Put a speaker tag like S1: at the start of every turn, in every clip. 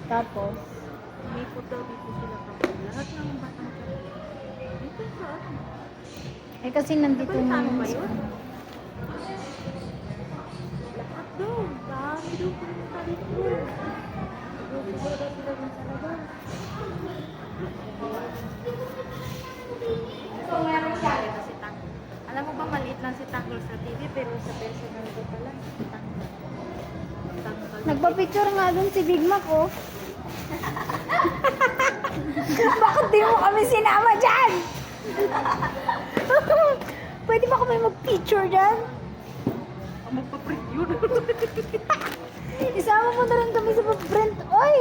S1: Tapos,
S2: Umikot daw dito sila kapag lahat ng batang dito sa ano.
S1: eh kasi nandito na
S2: Ano
S1: yung
S2: ba yun? Lahat daw. Dami daw pumunta dito. Siguro daw sila dun sa labas. So, meron siya ito si Tanggol. Alam mo ba, maliit lang si Tanggol sa TV, pero sa personal ko pala, si Tanggol. Tanggol.
S1: nagpa-picture nga dun si Big Mac, oh. Bakit di mo kami sinama dyan? Pwede ba kami mag-picture dyan?
S2: Magpa-print yun.
S1: Isama mo na rin kami sa pag-print. Oy!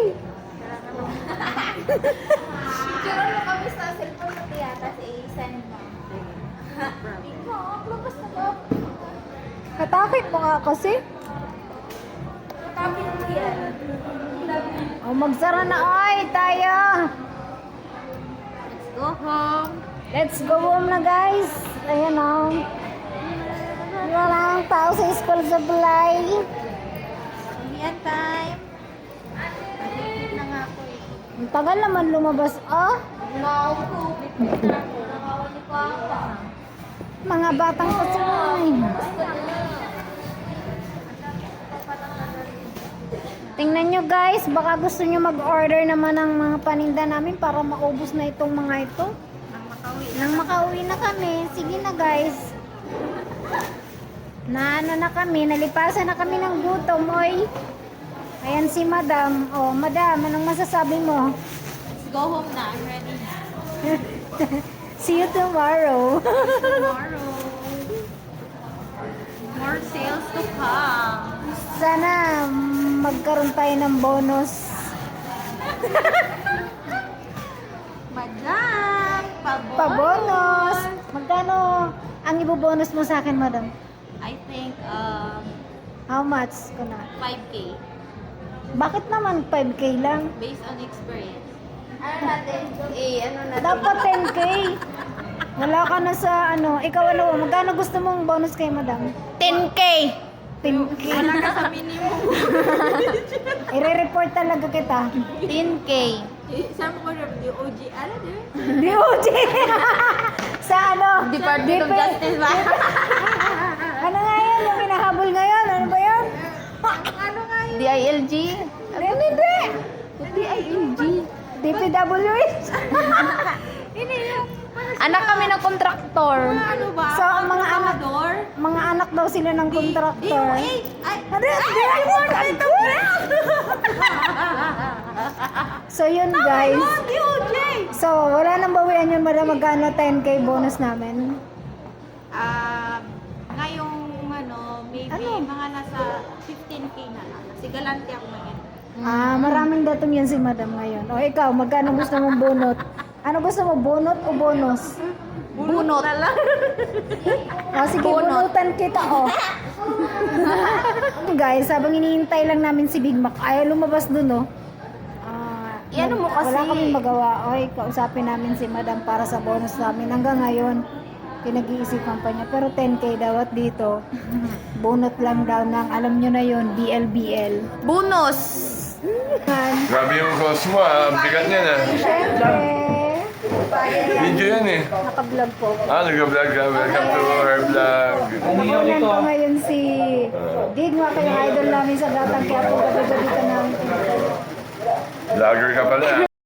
S3: Picture mo kami sa cellphone mo tiya, tapos i-send mo. Ikaw, labas na ba?
S1: Katakit mo nga kasi.
S3: Tapos mo yan.
S1: Oh, magsara na, oy! Tayo!
S2: Let's go home.
S1: Let's go home na, guys. Ayan, oh. Wala ang tao sa school supply.
S3: Yan time. Nakikit na nga ako eh.
S1: Ang tagal naman lumabas, oh.
S3: Nakakupit na ako. Nakawali ko ako.
S1: Mga batang kasumay. Tingnan nyo guys, baka gusto nyo mag-order naman ng mga paninda namin para maubos na itong mga ito. Nang makauwi na kami, sige na guys. Na ano na kami, nalipasan na kami ng gutom, oy. Ayan si Madam. Oh, Madam, anong masasabi mo?
S3: Let's go home na. I'm ready na.
S1: See you tomorrow.
S3: Tomorrow. More sales to come.
S1: Sana magkaroon tayo ng bonus.
S3: Madam!
S1: Pa-bonus! Magkano ang ibobonus mo sa akin, Madam?
S3: I think
S1: How much ko na?
S3: 5K.
S1: Bakit naman 5K lang?
S3: Based on experience. Ano natin? Ano natin?
S1: Dapat 10K. Wala ka na sa ano. Ikaw ano, magkano gusto mong bonus kay Madam? 10K! 10K.
S3: Wala ka sa minimum.
S1: I-report talaga kita.
S3: 10K.
S2: Saan mo ko rin? DOG? Ano din?
S1: DOJ! Sa ano?
S3: Department of Justice ba?
S1: Ano nga yan? Yung hinahabol ngayon? Ano ba yan?
S2: Ano nga yun?
S3: DILG?
S1: Hindi!
S3: DILG.
S1: DPWH?
S2: Hindi yung...
S3: Anak kami ng kontraktor.
S2: Ano ba?
S1: So, ang mga anak,
S2: Door?
S1: mga anak daw sila ng kontraktor.
S2: Ay!
S1: Ano yun? So yun guys.
S2: DOJ!
S1: So wala nang bawian yun, Madam. Magkano 10K bonus namin?
S2: Ngayong ano, maybe
S1: Ano?
S2: mga nasa 15K na lang. Kasi galante ako ngayon.
S1: Maraming datum yan si Madam ngayon. O ikaw, magkano gusto mong bunot? Ano gusto mo, bunot o bonus?
S3: Bunot.
S2: Na lang.
S1: O sige,
S3: Bunot.
S1: bunutan kita, o. Guys, habang hinihintay lang namin si Big Mac, ayaw lumabas dun, o.
S3: Iano mo kasi?
S1: Wala kaming magawa. Oy, kausapin namin si Madam para sa bonus namin. Hanggang ngayon, pinag-iisipan pa niya. Pero 10K daw at dito, bunot lang daw ng, alam nyo na yon BLBL.
S3: Bonus.
S4: Grabe yung cross mo ah. Ang bigat niya na.
S1: Siyempre,
S4: Video yan eh.
S1: naka-vlog po.
S4: Nag-vlog ka. Welcome to our vlog.
S1: Nakunan ko ngayon si Digma, kayong idol namin sa Batang Quiapo. Gabi-gabi ka na.
S4: Vlogger ka pala ah.